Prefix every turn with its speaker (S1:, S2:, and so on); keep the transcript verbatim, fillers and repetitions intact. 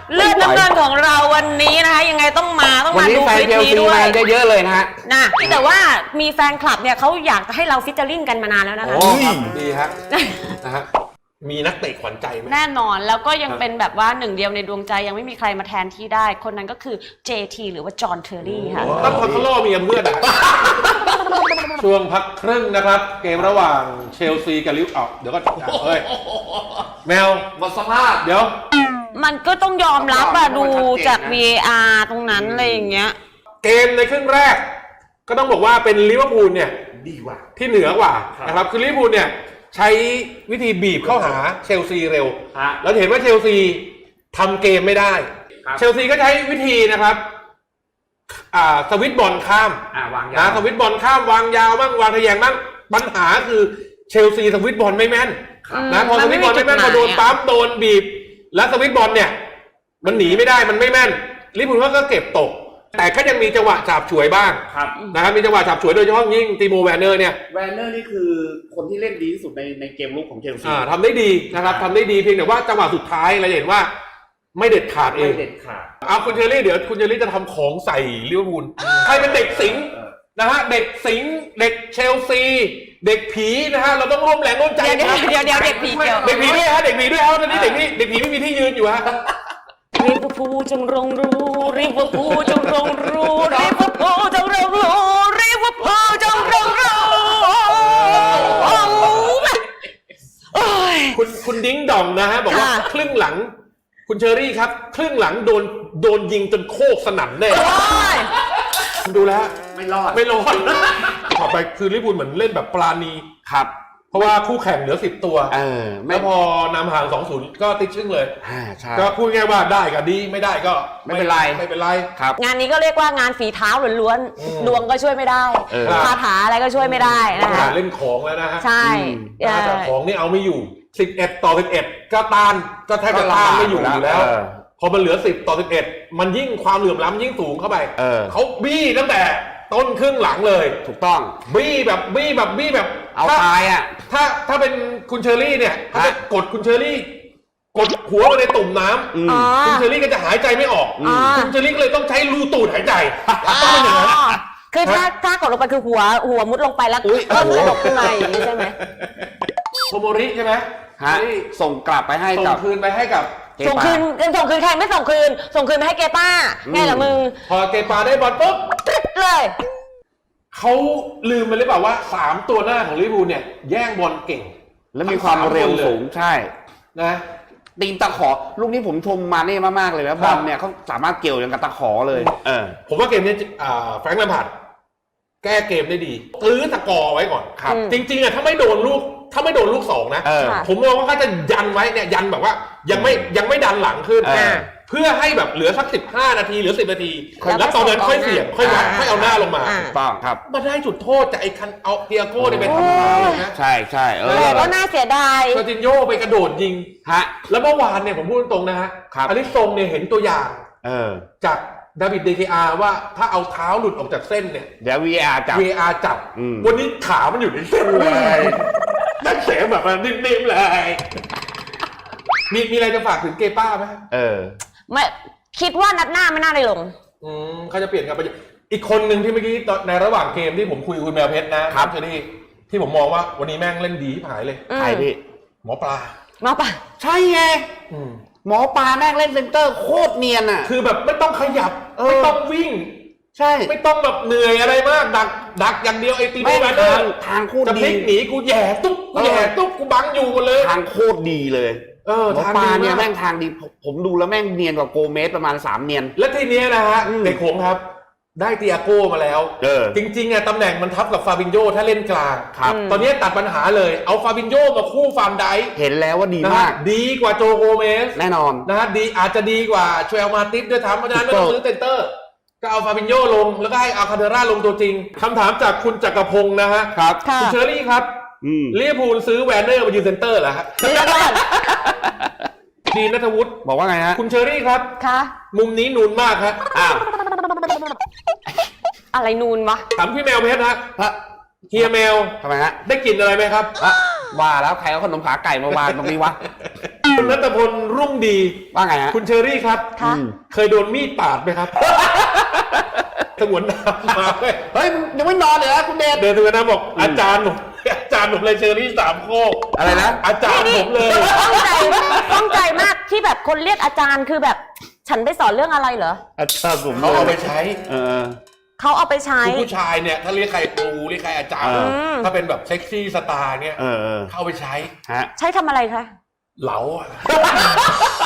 S1: เลือดน้ำเงินของเราวันนี้นะคะยังไงต้องมาต้องมาดูคลิปนี้ด้วย
S2: ได้เยอะเลยนะฮะ
S1: นะแต่ว่ามีแฟนคลับเนี่ยเขาอยากจะให้เราฟิชเจอริ่งกันมานานแล้วนะคะ
S3: โอ้ครับดีฮะนะฮะมีนักเตะขวัญใจไหม
S1: แน่นอนแล้วก็ยังเป็นแบบว่าหนึ่งเดียวในดวงใจยังไม่มีใครมาแทนที่ได้คนนั้นก็คือ เจ ที หรือว่าจอห์นเทอร์รี่ค่ะ
S3: ตั้งพักล่อมีเพื่อนอ่ะช่วงพักครึ่งนะครับเกมระหว่างเชลซีกับลิเวอร์พูลเดี๋ยวก็เฮ้ยแมว
S2: หมดสภาพ
S3: เดี๋ยว
S1: มันก็ต้องยอมรับอะดูจาก วี เอ อาร์ ตรงนั้นอะไรอย่างเงี้ย
S3: เกมในครึ่งแรกก็ต้องบอกว่าเป็นลิเวอร์พูลเนี่ย
S2: ดีกว่า
S3: ที่เหนือกว่านะครับคือลิเวอร์พูลเนี่ยใช้วิธีบีบเข้าหาเชลซีเร็วแล้วเห็นว่าเชลซีทำเกมไม่ได้เชลซีก็ใช้วิธีนะครับอ่าสวิตบอลข้ามนะสวิตบอลข้ามวางยาวบ้างวางทะแยงบ้างปัญหาคือเชลซีสวิตบอลไม่แม่นนะพอสวิตบอลไม่แม่นพอโดนปั๊มโดนบีบแล้วสวิตบอลเนี่ยมันหนีไม่ได้มันไม่แม่นลิเวอร์พูลก็เก็บตกแต่ก็ยังมีจังหวะฉาบฉวยบ้างนะครับมีจังหวะฉาบฉวยโดยเฉพาะยิ่งติโมแวนเนอร์เนี่ย
S2: แวนเนอร์นี่คือคนที่เล่นดีที่สุดในในเกมลุกของเชลซี
S3: ทำได้ดีนะครับทำได้ดีเพียงแต่ว่าจังหวะสุดท้ายเราเห็นว่าไม่เด็ดขาดเอง
S2: ไม่เด็ดขาด
S3: เอาคุณเชอรี่เดี๋ยวคุณเชอรี่จะทำของใส่ลิเวอร์พูลใครเป็นเด็กสิงห์นะฮะเด็กสิงห์เด็กเชลซีเด็กผีนะฮะเราต้องร่วมแรงร่วมใจ
S1: เดี๋ยวเดี๋ยวเดี๋ยวเด็กผีเกี่ยว
S3: เด็กผีด้วยฮะเด็กผีด้วยฮะตอนนี้เด็กผีเด็กผีไม่มีที่ยืนอยู่ฮะ
S1: ลิเวอร์พูลจงรงรู้ลิเวอร์พูลจงรงรู้ลิเวอร์พูลจงรงรู้ลิเวอร์พูลจงรงรู้
S3: คุณคุณดิ้งดองนะฮะบอกว่าครึ่งหลังคุณเชอรี่ครับครึ่งหลังโดนโดนยิงจนโคกสนั่นแน่ดูแล้ว
S2: ไม่รอด
S3: ไม่รอดต่อไปคือลิเวอร์พูลเหมือนเล่นแบบปราณี
S2: ครับ
S3: เพราะว่าคู่แข่งเหลือสิบตัว
S2: เออ
S3: แล้วพอนำห่าง สองศูนย์ ก็ติดชึ่งเลย
S2: อ่าใช่
S3: ก็พูดง่ายว่าได้ก็ดีไม่ได้ก็
S2: ไม่เป็นไร
S3: ไม่เป็นไร
S2: ครับ
S1: งานนี้ก็เรียกว่างานฝีเท้าล้วนๆดวงก็ช่วยไม่ได้คาถาอะไรก็ช่วยไม่ได้นะคะ
S3: เล่นของแล้วนะฮะ
S1: ใช่
S3: แต่ของนี่เอาไม่อยู่สิบเอ็ดต่อสิบเอ็ดก็ต้านก็แทบจะต้านไม่อยู่อยู่แล้วพอมันเหลือสิบต่อสิบเอ็ดมันยิ่งความเหลื่อมล้ำยิ่งสูงเข้าไปเขาบี้ตั้งแต่ต้นครึ่งหลังเลย
S2: ถูกต้อง
S3: บี้แบบบี้แบบบี้แบบ
S2: เอาตายอ่ะ
S3: ถ้าถ้าเป็นคุณเชอรี่เนี่ยเขาจะกดคุณเชอรี่กดหัวไปในตุ่มน้ำคุณเชอรี่ก็จะหายใจไม่ออกคุณเชอรี่ก็เลยต้องใช้รูตูดหายใจต้องเป็นอย่างนั้น
S1: คือถ้าถ้ากดลงไปคือหัวหัวมุดลงไปแล้วก็หัวตกขึ้นมาอย่างนี้ใช่ไหม
S3: โทโมริใช่ไหม
S2: ฮะส่งกลับไปให้
S3: ส่งคืนไปให้กับ
S1: ส่งคืนส่งคืนใครไม่ส่งคืนส่งคืนไปให้เกป้าไงล่ะมึง
S3: พอเกป้าได้บอลปุ๊บ
S1: ตึ๊ดเลย
S3: เขาลืมไปหรือเปล่าว่าสามตัวหน้าของลิเวอร์พูลเนี่ยแย่งบอลเก่ง
S2: และมีความเร็วสูงใช่
S3: นะ
S2: ตีนตะขอลูกนี้ผมชมมาเน่มากๆเลยนะบอลเนี่ยเขาสามารถเกี่ยวอย่างกับตะขอเลยเออ
S3: ผมว่าเกมนี้แฟรงค์ แลมพาร์ดแก้เกมได้ดีตื้อตะกอไว้ก่อนครับจริงๆอ่ะถ้าไม่โดนลูกถ้าไม่โดนลูกสองนะผมมองว่าเขาจะยันไว้เนี่ยยันแบบว่ายังไม่ยังไม่ดันหลังขึ้นเพื่อให้แบบเหลือสักสิบห้านาทีหรือสิบนาทีแล้วตอนนั้นค่อยเสี่ยงค่อยวัดค่อยเอาหน้าลงมา
S2: ถูกต้องครับ
S3: มาได้จุดโทษจากไอ้คันเอาเตียโก้เนี่ยไปทำมาเลยนะ
S2: ใช่ใช่เออ
S1: ก็น่าเสียดาย
S3: เซอร์จินโญ่ไปกระโดดยิงฮะแล้วเมื่อวานเนี่ยผมพูดตรงนะฮะอันนี้ทรงเนี่ยเห็นตัวอย่างจากดาวิดเดเคอาร์ว่าถ้าเอาเท้าหลุดออกจากเส้นเนี่ย
S2: เดี๋ยว วี เอ อาร์ จับ
S3: วี เอ อาร์ จับวันนี้ขามันอยู่ในเส้นเลยนั่นเสียแบบนิ่มๆเลยมีมีอะไรจะฝากถึงเกป้าไหม
S2: เออ
S1: ไม่คิดว่านัดหน้าไม่น่าได้ลง
S3: อืมเขาจะเปลี่ยนกันไปอีกคนหนึ่งที่เมื่อกี้ในระหว่างเกมที่ผมคุยกับคุณแมวเพชรนะครับเชอรี่ที่ผมมองว่าวันนี้แม่งเล่นดีหายเลย
S2: ใครพี่
S3: หมอปลา
S1: หมอปลา
S2: ใช่ไงหมอปลาแม่งเล่นเซนเตอร์โคตรเนียนอ่ะ
S3: คือแบบไม่ต้องขยับไม่ต้องวิ่ง
S2: ใช่
S3: ไม่ต้องแบบเหนื่อยอะไรมากดักดักอย่างเดียวไอ้ตีไม่
S2: ทางทางโคตรดี
S3: จะพลิกหนีกูแย่ตุ๊บกูแย่ตุ๊บกูบังอยู่เลย
S2: ทางโคตรดีเลยเออหมอปลาเนี่ยแม่งทางดีผมดูแล้วแม่งเนียนกว่าโกเมสประมาณสามเนียน
S3: และทีนี้นะฮะในโขงครับได้เตียโก้มาแล้วจริงๆอ่ะตำแหน่งมันทับกับฟาบินโญถ้าเล่นกลางครับตอนนี้ตัดปัญหาเลยเอาฟาบินโญมาคู่ฟานได
S2: เห็นแล้วว่าดีมาก
S3: ดีกว่าโจโกเมส
S2: แน่นอน
S3: นะฮะดีอาจจะดีกว่าชเวลมาติสด้วยทำเพราะฉะนั้นไม่ต้องซื้อเซนเตอร์ก็เอาฟาบินโญลงแล้วก็ให้อาคาเดร่าลงตัวจริงคำถามจากคุณจักรพงศ์นะฮะ
S2: ครับ
S3: คุณเชอรี่ครับลิเวอร์พูลซื้อแวนเนอร์มายืนเซนเตอร์เหรอฮะดีณัฐวุฒิ
S2: บอกว่าไงฮะ
S3: คุณเชอรี่ครับ
S1: ค่ะ
S3: มุมนี้นูนมากครับอ้าว
S1: อะไรนูนวะ
S3: ถามพี่แมวเพชรฮะเฮียแมว
S2: ทำไมฮะ
S3: ได้กลิ่นอะไรไหมครับ
S2: ว่าแล้วใครเอาขนมขาไก่มาวางตรงนี้วะ
S3: คุณณัฐพลรุ่งดี
S2: ว่าไงฮะ
S3: คุณเชอรี่ครับ
S1: ค่ะ
S3: เคยโดนมีดปาดไหมครับสงวนน้ำมาเว้ย
S2: เฮ้ยยังไม่นอนเลยนะคุณเดช
S3: เดินสงวนน้ำบอกอาจารย์ผมอาจารย์ผมเลยเชอรี่สามโคก
S2: อะไรนะ
S3: อาจารย์ผมเลย
S1: ข้องใจข้องใจมากที่แบบคนเรียกอาจารย์คือแบบ ฉันไปสอนเรื่องอะไรเหรอ
S2: อาจารย์ผม
S3: เขาเอาไปใช้
S2: เออ
S1: เขาเอาไปใช้
S3: คือผู้ชายเนี่ยถ้าเรียกใครครูเรียกใครอาจารย์
S2: เออ
S3: ถ้าเป็นแบบเซ็กซี่สตาร์เนี่ย
S2: เออเออ
S3: เข้าไปใช้
S2: ฮะ
S1: ใช้ทำอะไรคะ
S3: เหลาอะ